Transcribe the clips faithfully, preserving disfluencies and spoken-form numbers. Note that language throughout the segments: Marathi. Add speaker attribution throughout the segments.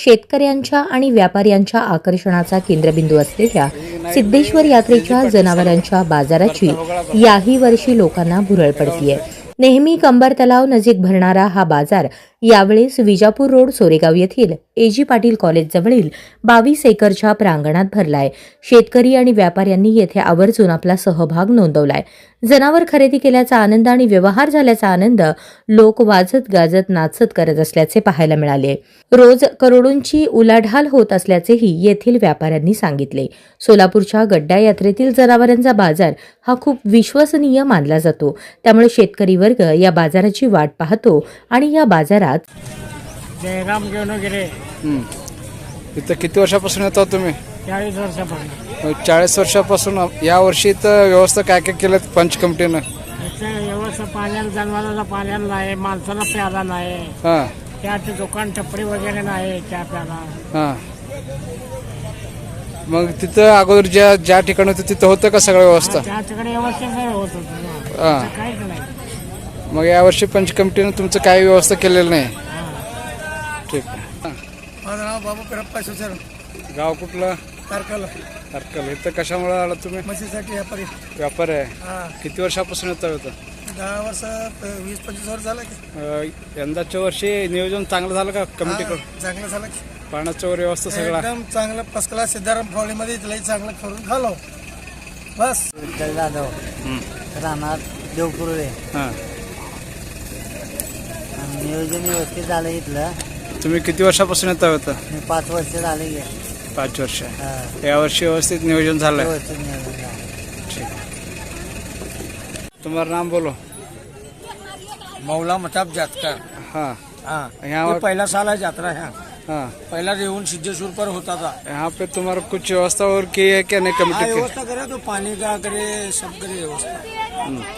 Speaker 1: शेतकऱ्यांच्या आणि व्यापाऱ्यांच्या आकर्षणाचा केंद्रबिंदू असलेल्या सिद्धेश्वर यात्रेच्या जनावरांच्या बाजाराची याही वर्षी लोकांना भुरळ पडतीये। नेहमी कंबर तलाव नजीक भरणारा हा बाजार यावेळेस विजापूर रोड सोरेगाव येथील एजी पाटील कॉलेज जवळील बावीस एकरच्या प्रांगणात भरलाय। शेतकरी आणि व्यापाऱ्यांनी येथे आवर्जून आपला सहभाग नोंदवलाय। जनावर खरेदी केल्याचा आनंद आणि व्यवहार झाल्याचा आनंद लोक वाजत गाजत नाचत करत असल्याचे पाहायला मिळाले। रोज करोडोंची उलाढाल होत असल्याचेही येथील व्यापाऱ्यांनी सांगितले। सोलापूरच्या गड्डा यात्रेतील जनावरांचा बाजार हा खूप विश्वसनीय मानला जातो, त्यामुळे शेतकरी वर्ग या बाजाराची वाट पाहतो आणि या बाजारात
Speaker 2: जयराम घेऊन गेले।
Speaker 3: इथं किती वर्षापासून येतो तुम्ही?
Speaker 2: चाळीस वर्षापासून।
Speaker 3: चाळीस वर्षापासून या वर्षी इथं व्यवस्था काय काय केलं पंच कमिटीनं?
Speaker 2: इथे व्यवस्था पाण्याला, जनावरांना पाण्याला नाही, माणसाला प्याला नाही,
Speaker 3: हां
Speaker 2: त्याचे दुकान टपरी वगैरे नाही त्या प्याला।
Speaker 3: हां मग तिथं अगोदर ज्या ज्या ठिकाणी होतं तिथं होतं का सगळं व्यवस्था?
Speaker 2: त्या ठिकाणी व्यवस्थित नाही होत होतं,
Speaker 3: हां
Speaker 2: काहीच नाही।
Speaker 3: मग यावर्षी पंच कमिटीनं तुमचं काही व्यवस्था केलेलं नाही? ठीक आहे।
Speaker 4: माझं नाव बाबू करप्पा सुसर,
Speaker 3: गाव कुठलं?
Speaker 4: तारकल।
Speaker 3: तारकल। इथं कशामुळे आला तुम्ही?
Speaker 4: म्हशीसाठी व्यापारी।
Speaker 3: व्यापार आहे?
Speaker 4: हा,
Speaker 3: किती वर्षापासून येतं होतं?
Speaker 4: दहा वर्ष वीस पंचवीस वर्ष झालं की।
Speaker 3: अं, यंदाच्या वर्षी नियोजन चांगलं झालं का कमिटीकडून?
Speaker 4: हा, चांगलं झालं की।
Speaker 3: पाण्याच्या वर व्यवस्था सगळा
Speaker 4: एकदम चांगलं फर्स्ट क्लास सिद्धाराम फावलीमध्ये लई चांगलं करून खालो बस।
Speaker 5: जाधव राहणार देवकुर्ले।
Speaker 3: हां
Speaker 5: नियोजन व्यवस्थित झालं इथलं।
Speaker 3: तुम्ही किती वर्षापासून येता होतं?
Speaker 5: मी पाच वर्ष झाले गे।
Speaker 3: पाच वर्ष।
Speaker 5: हा,
Speaker 3: यावर्षी व्यवस्थित नियोजन झालंय?
Speaker 5: व्यवस्थित नियोजन झालं।
Speaker 3: ठीक है। तुम्हारा नाम बोलो।
Speaker 2: मौला मताब जातकर।
Speaker 3: हाँ
Speaker 2: हाँ,
Speaker 3: यहाँ
Speaker 2: ये पहला साल है यात्रा है।
Speaker 3: हाँ
Speaker 2: पहला रेवन सिद्धेश्वर पर होता था।
Speaker 3: यहाँ पे तुम्हारा कुछ व्यवस्था और की है क्या नहीं
Speaker 2: हाँ,
Speaker 3: कमेटी की?
Speaker 2: व्यवस्था करे तो पानी का करे, सब करे व्यवस्था।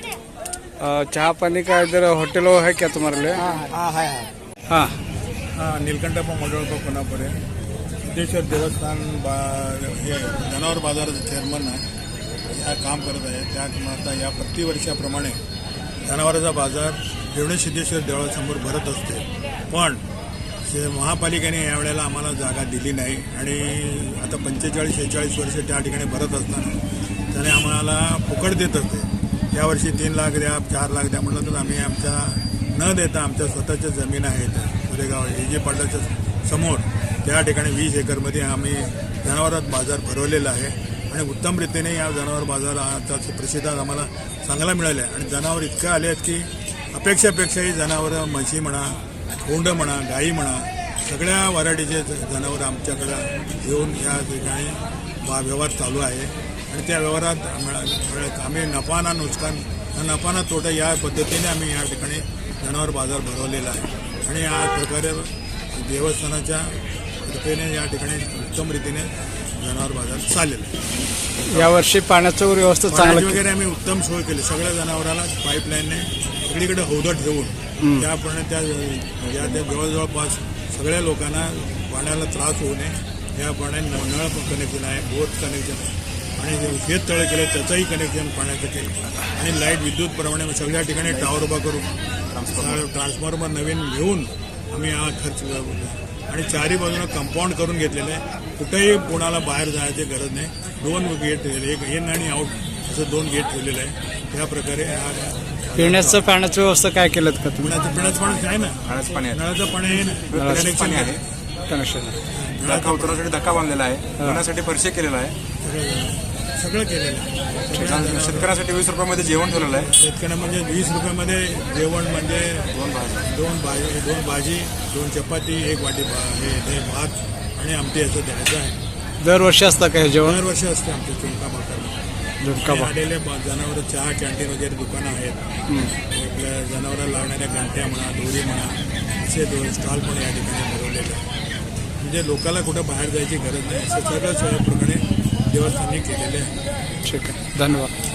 Speaker 3: अ, चाह पानी का इधर होटल वो है क्या तुम्हारे लिए?
Speaker 2: हाँ हाँ है।
Speaker 3: हाँ
Speaker 4: हा, नीलकंठप्पा मंडळकर कोणापुरे सिद्धेश्वर देवस्थान बा हे जनावर बाजाराचं चेअरमन आहे, या काम करत आहे। त्या आता या प्रतिवर्षाप्रमाणे जनावरांचा बाजार रेवणे सिद्धेश्वर देवळासमोर भरत असते, पण शे महापालिकेने यावेळेला आम्हाला जागा दिली नाही आणि आता पंचेचाळीस शेहेचाळीस वर्ष त्या ठिकाणी भरत असताना त्याने आम्हाला फुकट देत असते। यावर्षी तीन लाख द्या, चार लाख द्या म्हटलं तर आम्ही आमच्या न देता आमच्या स्वतःच्या जमीन आहेत सुरेगाव एजे पाटलाच्या समोर, त्या ठिकाणी वीस एकरमध्ये आम्ही जनावरात बाजार भरवलेला आहे आणि उत्तम रीतीने या जनावर बाजाराचा प्रतिसाद आम्हाला चांगला मिळाला आहे। आणि जनावर इतकं आले आहेत की अपेक्षापेक्षाही जनावरं, म्हशी म्हणा, कोंड म्हणा, गाई म्हणा, सगळ्या व्हरायटीचे जनावर आमच्याकडं येऊन या ठिकाणी बा व्यवहार चालू आहे आणि त्या व्यवहारात आम्ही नफा ना नुकसान, नफा ना तोटा या पद्धतीने आम्ही या ठिकाणी जनावर बाजार भरवलेला आहे आणि या प्रकारे देवस्थानाच्या कृपेने या ठिकाणी उत्तम रीतीने जनावर बाजार चाललेला आहे।
Speaker 3: यावर्षी पाण्याचं वर व्यवस्था
Speaker 4: पाण्याची
Speaker 3: चांगली
Speaker 4: वगैरे आम्ही उत्तम सोय केली। सगळ्या जनावराला पाईपलाईनने सगळीकडे हौदर ठेवून त्याप्रमाणे त्या या त्या जवळजवळपास सगळ्या लोकांना पाण्याला त्रास होऊ नये याप्रमाणे नळ कनेक्शन आहे, बोर कनेक्शन आहे आणि शेततळे केले त्याचंही कनेक्शन पाण्याचं केलं आणि लाईट विद्युतप्रमाणे सगळ्या ठिकाणी टावर उभा करून ट्रान्सफॉर्मर नवीन घेऊन आम्ही हा खर्च आणि चारी बाजूला कंपाऊंड करून घेतलेलं आहे। कुठेही कोणाला बाहेर जायची गरज नाही। दोन गेट, एक इन आणि आउट असं दोन गेट ठेवलेलं आहे। त्या प्रकारे हा
Speaker 3: पिण्याचं पाण्याची व्यवस्था काय केलं का तुम्ही?
Speaker 4: पिण्याचं पिण्याचं पाणी आहे ना, नळाचं पाणी आहे ना, कनेक्शन आहे,
Speaker 3: कनेक्शन
Speaker 6: धक्का उतरण्यासाठी धक्का बांधलेला आहे, धुण्यासाठी परिचय केलेला आहे,
Speaker 4: सगळं केलेलं आहे।
Speaker 6: शेतकऱ्यांसाठी वीस रुपयामध्ये जेवण ठेवलेलं आहे।
Speaker 4: शेतकऱ्यांना म्हणजे वीस रुपयामध्ये जेवण म्हणजे दोन भाजी दोन भाजी दोन भाजी दोन चपाती, एक वाटी भा हे हे भात आणि आमटी असं द्यायचं आहे।
Speaker 3: दरवर्षी असतं काय जेवण?
Speaker 4: दरवर्षी असते आमच्या चुलका भाकर।
Speaker 3: झुणका भाकर
Speaker 4: आलेले जनावर चहा कॅन्टीन वगैरे दुकानं आहेत। आपल्या जनावराला लागणाऱ्या घंट्या म्हणा, दोरी म्हणा, असे दोन स्टॉल पण या ठिकाणी भरवलेले आहेत। म्हणजे लोकांना कुठं बाहेर जायची गरज नाही, असं सगळं सोयीप्रमाणे देवस्थानी केलेले आहे।
Speaker 3: ठीक आहे, धन्यवाद।